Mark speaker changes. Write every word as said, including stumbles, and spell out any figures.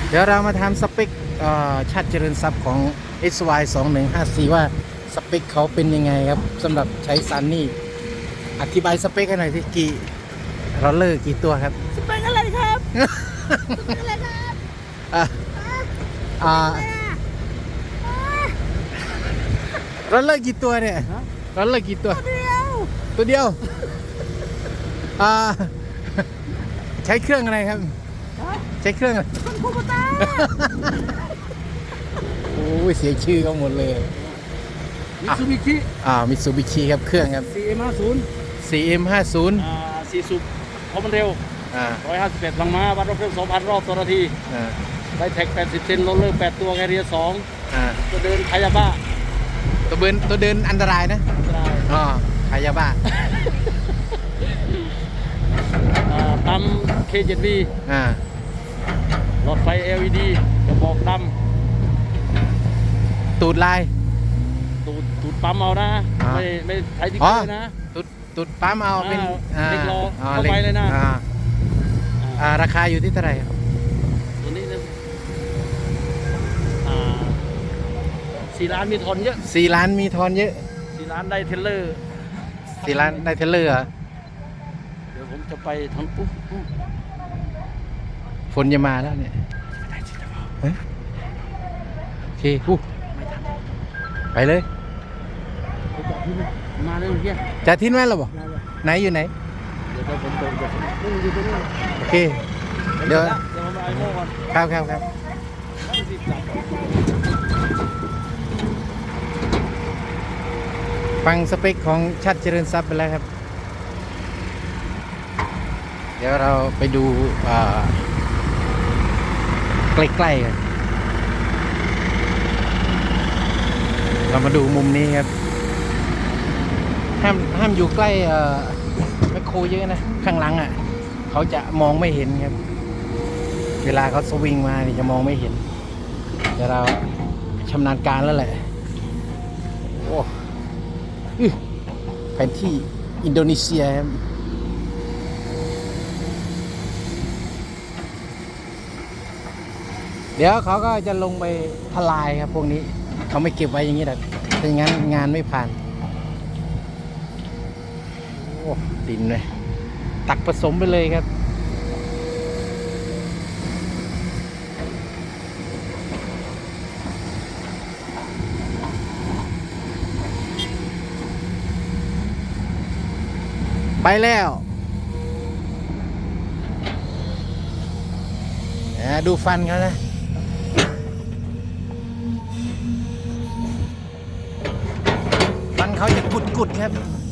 Speaker 1: เดี๋ยวเรามาทำสเปคชาติเจริญทรัพย์ของ เอส วาย สองหนึ่งห้าสี่ ว่าสเปคเขาเป็นยังไงครับสำหรับใช้ซันนี่อธิบายสเปคให้หน่อยที่กี่รอลเลอร์กี่ตัวครับ
Speaker 2: สเปคอะไรครับสเปคอะไรครับ
Speaker 1: อ่าอ่า รถเลิกกี่ตัวเนี่ยรถเลิกกี่ตัว
Speaker 2: เดียว
Speaker 1: ตัวเดียวอ่าใช้เครื่องอะไรครับใช้เครื่องอะไร
Speaker 2: คุณคูปตา
Speaker 1: โอ้ยเสียชื่อเขาหมดเลย
Speaker 2: มิตซูบิชิ
Speaker 1: อ่ามิตซูบิชิครับเครื่องครับ
Speaker 2: ซีเอ็มห้าศูนย์
Speaker 1: ซี เอ็ม ห้าสิบ
Speaker 2: อ่าสี่สูบเพราะมันเร็ว
Speaker 1: อ่า
Speaker 2: หนึ่งร้อยห้าสิบเอ็ดพลังม้าวัดรอบเครื่องสองพันรอบต่อนาที
Speaker 1: อ่า
Speaker 2: ได้แท็กแปดสิบเซนโรลเลอร์แปดตัวแคเรียสอง
Speaker 1: อ่า
Speaker 2: ตัวเดินคายาบ้า
Speaker 1: ตัวเดินตัวเดินอันตรายนะ
Speaker 2: อันตราย
Speaker 1: อ๋อขายยาบ้า
Speaker 2: อ่าปั๊ม เค เจ็ด วี
Speaker 1: อ่า
Speaker 2: หลอดไฟ แอล อี ดี กระบอกด
Speaker 1: ตูดลาย
Speaker 2: ำตูดตูดปั๊มเอานะ
Speaker 1: อ่า
Speaker 2: ไม่ไม่ใช้ติ๊ก
Speaker 1: อ๋อ
Speaker 2: เกอร์นะ
Speaker 1: ตูดตูดปั๊มเอาเป็น
Speaker 2: อ่าเล็กล้อเข้า
Speaker 1: ล็ก
Speaker 2: ไปเลยนะ
Speaker 1: อ่าอ่าราคาอยู่ที่เท่าไหร่ครับ
Speaker 2: ตัวนี้นะอ่าสี่ล้านมีทอนเยอะ
Speaker 1: สี่ล้านมีทอนเยอะ
Speaker 2: สี่ล้านได้เทรลเลอร์
Speaker 1: สี่ล้านได้เทรลเลอร์เหรอ
Speaker 2: เดี๋ยวผมจะไปทำปุ๊บปุ๊บ
Speaker 1: ฝนจะมาแล้วเนี่ยเฮ้ยโอเคอู้ไปเลย
Speaker 2: ไปจอดที่นี่มาเลยเมื่อกี้
Speaker 1: จะทิ้งไว้หรอบ่
Speaker 2: ได้เลย
Speaker 1: ไหนอยู่ไหน
Speaker 2: เดี๋ยวผมตรงเดี๋ยวผมนี่อยู่ตรงนี้
Speaker 1: โอเค เดี๋ยว
Speaker 2: เดี๋ยวผมไปไอโม่ก่อน
Speaker 1: ครับครับครับ
Speaker 2: ยี่สิบสาม
Speaker 1: ฟังสเปคของชัดเจริญทรัพย์ไปแล้วครับ เดี๋ยวเราไปดูอ่าใกล้ๆกันเรามาดูมุมนี้ครับ ห้ามห้ามอยู่ใกล้เอ่อแมคโครเยอะนะ ข้างหลังอ่ะ เขาจะมองไม่เห็นครับ เวลาเขาสวิงมานี่จะมองไม่เห็น เดี๋ยวเราชำนาญการแล้วแหละ โอ้อื้อแผนที่อินโดนีเซียครับเดี๋ยวเขาก็จะลงไปทลายครับพวกนี้ เขาไม่เก็บไว้อย่างนี้หรอกถ้าอย่างนั้นงานไม่ผ่าน โอ้ดินเลยตักผสมไปเลยครับ ไปแล้วดูฟันเขานะ ฟันเขาจะกุดๆครับ